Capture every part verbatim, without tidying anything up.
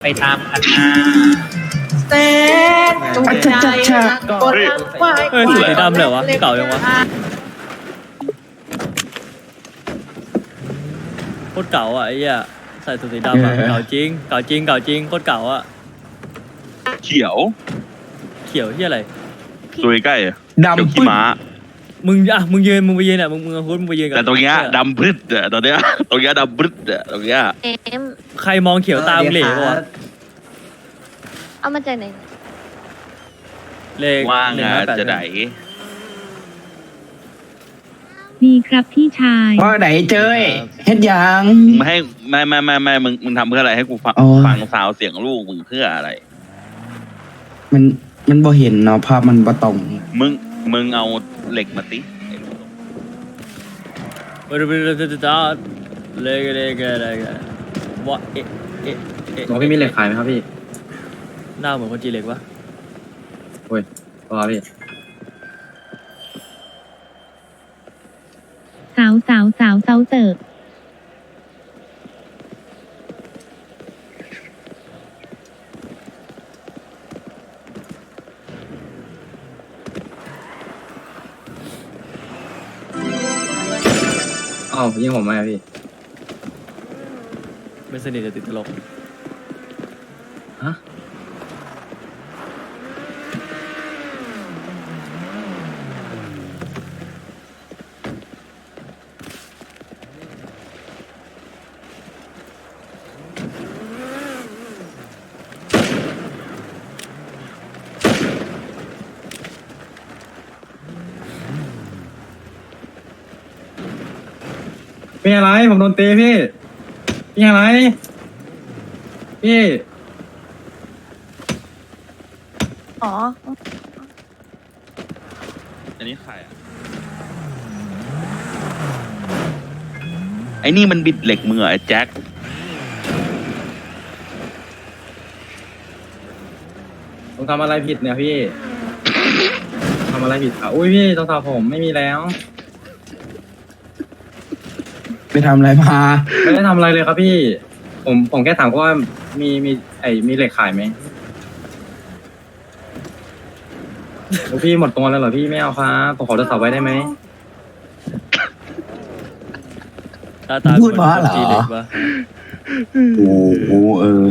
ไปตามคันนาแสนจุใจกดไว้เฮ้ยสีดำเลยวะเก่ายังวะโคตรเก่าอ่ะไอ้เหี้ยใส่สูทสีดำอ่ะเก่าจริงเก่าจริงเก่าจริงโคตรเก่าอ่ะเขียวเขียวที่อะไรตัวใกล้อะดำเขียวขี้ม้ามึงอ่ะมึงยืนมึงไปยืนอ่ะมึงมึงเอาหุ้นมึงไปยืนกันแต่ตรงเนี้ยดำพึดอะตอนเนี้ยตรงเนี้ยดำพึดอะตรงเนี้ยเอ็มใครมองเขียวตามเหล่ปะวะเอามาจากไหนเลขว่างหนึ่อะห้าแปดจะไหนดีครับพี่ชายว่าไหนเจ้ยเฮ็ดยังมึงให้ไม่ไม่ไม่ไม่มึงมึงทำเพื่ออะไรให้กูฟังอ๋อฟังซาวเสียงลูกมึงเพื่ออะไรมันมันบ่เห็นเนาะภาพมันบ่ตรงมึงมึงเอาเหล็กมาติเออเออเออเออเออเลขเลขเลขวะเอ๊ะเอ๊ะเอ๊ะหมอพี่มีเหล็กขายไหมครับพี่หน้าเหมือนคนจีนเหล็กวะโอ้ยรอพี่สาวสาวสาวเซาเติร์กอ้าวยิงผมไหมอะพี่ไม่สนิทจะติดตลกฮะ มีอะไร ผมโดนตีพี่ มีอะไร พี่อ๋ออันนี้ใครอะไอ้นี่มันบิดเหล็กมือไอ้แจ็คผมทำอะไรผิดเนี่ยพี่ ทำอะไรผิดอ่ะอุ้ยพี่โทรศัพท์ผมไม่มีแล้วไปทำอะไรมาไม่ได้ทำอะไรเลยครับพี่ ผมผมแค่ถามว่ามีมีไอมีเหล็กขายไหมโอ้พี่หมดตัวแล้วเหรอพี่ไม่เอาครับผมขอโทรศัพท์ไว้ได้ไหมหน้าตาพูดว่าเหรอจีนเหล็กวะโอ้โหเออ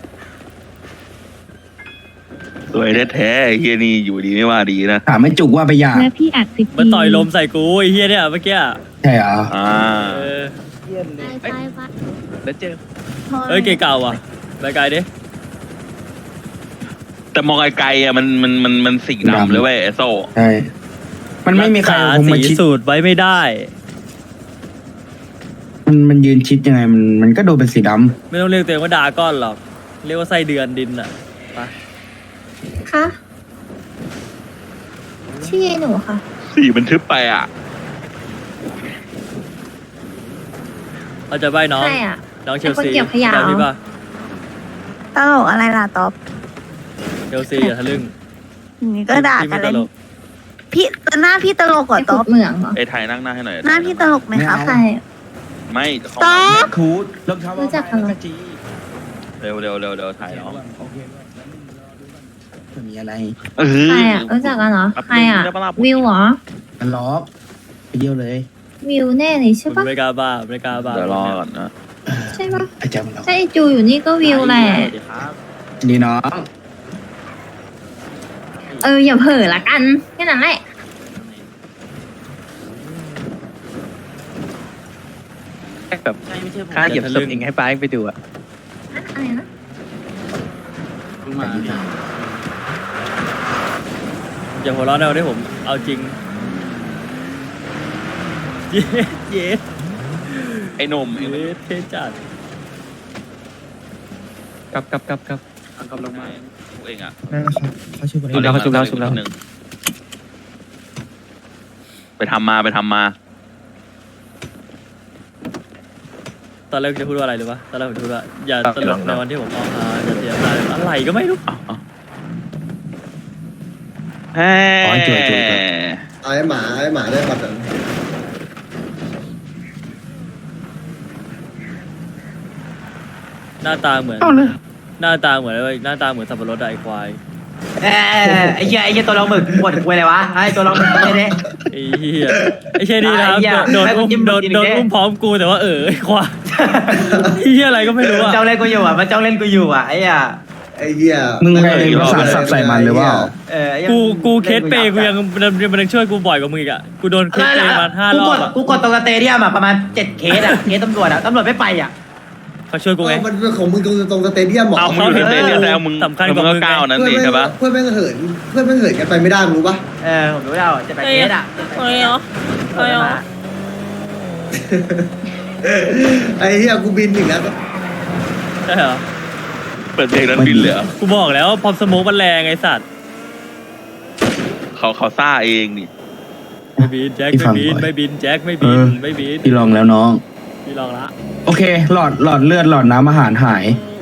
สวยแท้ๆไอ้เฮียนี่อยู่ดีไม่ว่าดีนะถามไม่จุกว่าไปหยาและพี่อัดสิบมันปีต่อยลมใส่กูไอ้เฮียเนี่ยเมื่อกี้อะใช่เหรออ่าเออไปไปไปแล้วเจอเอ้ยเก๋เก่าว่ะไปไกลดิแต่มองไกลๆอ่ะมันมันมันมันสีดำเลยเว้ยไอ้โซ่ใช่ มันไม่มีใครษาคงมาสีชิดสูตรไว้ไม่ได้มันมันยืนชิดยังไงมันมันก็ดูเป็นสีดไม่ต้องเรียกตัวเองว่าดาก้อนหรอก เรียกว่าไส้เดือนดินอ่ะไปคะชื่อหนูค่ะสีมันทึบไปอ่ะเราจะใบน้องใช่อ่ะน้องเชลซีเป็นคนเก็บขยะจำพี่ป่ะตลกอะไรล่ะต๊อบเชลซีอย่าทะลึ่งอย่างนี้ก็ด่าพี่กัไม่นเลตยลกพี่หน้าพี่ตลกกว่าไอ้ต๊ตอบบ เหมืองเหรอไอ้ไทยนั่งหน้าให้หน่อยหน้าพี่ตลกไหมครับใช่ไม่เขาต๊อบำคูดรองเท้ารู้จักกันเหรอจีเร็วเร็วเร็วเร็วถ่ายน้องโอเคมันมีอะไรเออใครอ่ะรู้จักกันเหรอ ใครอ่ะได้ปะล่ะวิวเหรอมันล็อกไปเยี่ยวเลยวิวแน่เลยใช่มันปะไม่กล้าบ้าไม่กล้าบ้าเดี๋ยวรอก่อนนะใช่ปะอาจารย์มันล็อกใช่ไอ้จูอยู่นี่ก็วิวแหละสวัสดีครับนี่น้องเอออย่าเผลอละกันแค่นั้นแหละแบบค่าเหยียบศพเองให้ป้าไปดูอะอะไรนะอย่าหัวเร้อนเอาได้ผม เอาจริง เย้เย้ไอ้หนมไอ้หนมเย้เท่จัดกลับกลับกลับกลับกำลังมาพวกเองอ่ะนั่นนะครับเขาชื่ออะไรชุบแล้วเขาชุบแล้วชุบแล้วหนึ่งไปทำมาไปทำมาตอนแรกจะพูดว่าอะไรหรือปะตอนแรกผมจะพูดว่าอย่าตลกในวันที่ผมออกมาอย่าเสียใจอะไรก็ไม่รู้แฮ่อ๋อจุยจุยไอ้หมาไอ้หมาได้บัตรอ่ะหน้าตาเหมือนเอาเลยหน้าตาเหมือนอะไรหน้าตาเหมือนสับปะรดอะไอ้ควายเอ้ยไอ้เหี้ยไอ้เหี้ยตัวเราหมึกปวดคุยอะไรวะไอ้ตัวเราหมึกไม่ได้ไอ้เหี้ยไอ้เช่นี่นะครับไอ้เหี้ยโดนให้กูอุ้มจิ้มโดนกินอีกโดนดิอุ้มพร้อมกูแต่ว่าเออไอ้ควายไอ้เหี้ยอะไรก็ไม่รู้อะจ้องเล่นกูอยู่อ่ะมันจ้องเล่นกูอยู่อ่ะไอ้อ่ะไอ้เหี้ยมึงไปภาษาสับใส่มันหรือเปล่าเออไอ้เหี้ยกูกูเคสเปย์กูยังมันมันยังช่วยกูบ่อยกว่ามึงอีกอะกูโดนเคสเปย์มาห้ารกูอก บดอะกูกดตรงสเตเดียมอ่ะประมาณเจ็ดเคสอ่ะเคสตำรวจอ่ะตำรวจไม่ไปอ่ะเขาช่วยกูไงเออมันเป็นของมึงตรงตรงสเตเดียมหมอเอามึงอยู่ในเตเดียมแล้วมึงสำคัญกมึว่าง มึก็งก้าวนั้นเพื่อนสิแม่งใช่ปะเพื่อนแม่งเหินเพื่อนแม่งเหินกันไปไม่ได้มึงรู้ปะเออผมรู้แล้วเจ็ดแปดเคสอ่ะเฮ้ยเหรอเฮ้ยเหรอไอ้เหี้ยกูบินอีกแล้วใช่เหรอเปิดเพลงนั้นบินเลยเหรอกูบอกแล้วพอมสโมกมันแรงไอ้สัตว์เขาเขาซ่าเองนี่ไม่บินแจ็คพี่ฟัไม่งบินบ่อยไม่บินแจ็คไม่บินเออไม่บินพี่ลองแล้วน้องพี่ลองละโอเค หลอดหลอดเลือดหลอดน้ำอาหารหายอ